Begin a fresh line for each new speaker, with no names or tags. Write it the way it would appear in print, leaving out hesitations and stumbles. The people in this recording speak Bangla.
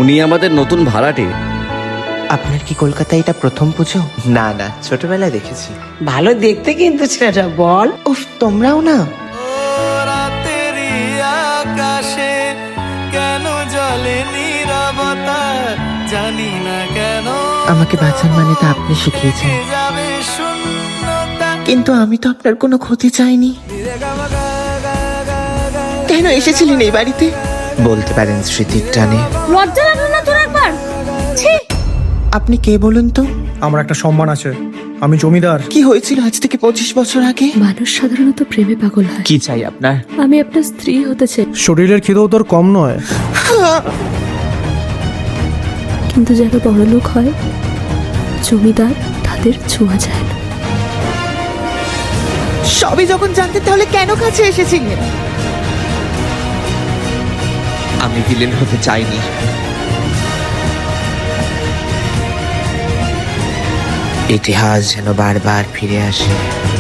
ইনি আমাদের নতুন ভাড়াটে।
আপনার কি কলকাতায় এটা প্রথম পুজো? না না, ছোটবেলায় দেখেছি।
ভালো দেখতে কিন্তু ছেলেটা, বল।
উফ, তোমরাও না।
রাতেরি আকাশে কেন জলে নীরবতা, জানি না কেন
আমাকে বাঁচার মানে তা আপনি শিখিয়েছেন,
যাবে শূন্যতা।
কিন্তু আমি তো আপনার কোনো ক্ষতি চাইনি। কেন এসেছিলেন এই বাড়িতে? বলতে পারেন স্মৃতির টানে।
লজ্জা লাগলো না তোর একবার? ছি!
আপনি কে বলুন তো?
আমার একটা সম্মান আছে, আমি জমিদার।
কি হয়েছিল আজ থেকে 25 বছর আগে?
মানুষ সাধারণত প্রেমে পাগল হয়।
কি চাই আপনার?
আমি আপনার স্ত্রী হতে চাই,
শরীরের খিদেও তোর কম নয়।
কিন্তু যারা বড় লোক হয়, জমিদার, তাদের ছোঁয়া যায় না।
সবই যখন জানতেন তাহলে কেন কাছে এসেছিলেন? আমি ভিলেন হতে চাইনি। ইতিহাস যেন বারবার ফিরে আসে।